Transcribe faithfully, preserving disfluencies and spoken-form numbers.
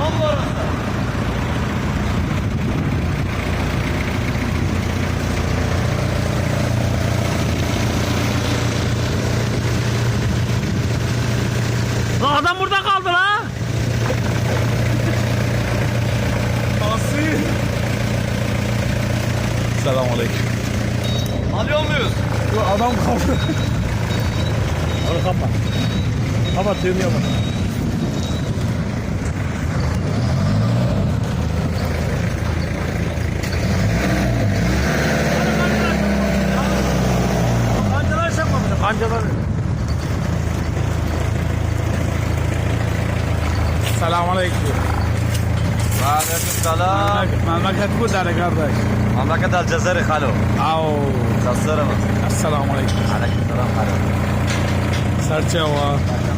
Allah orası. La adam burada kaldı la. Asi. Selamünaleyküm. Alıyor muyuz? Bu adam kaldı. Onu kapat. Kapat düğmeye bak. Kancalar çakmamış. Kancalar. Selamünaleyküm. Aleyküm selam. Memleket bu dere kardeş. Memleket Alcezeri halo. Au. Nasılsınız? Selamünaleyküm. Aleyküm selam halo. Serçe var.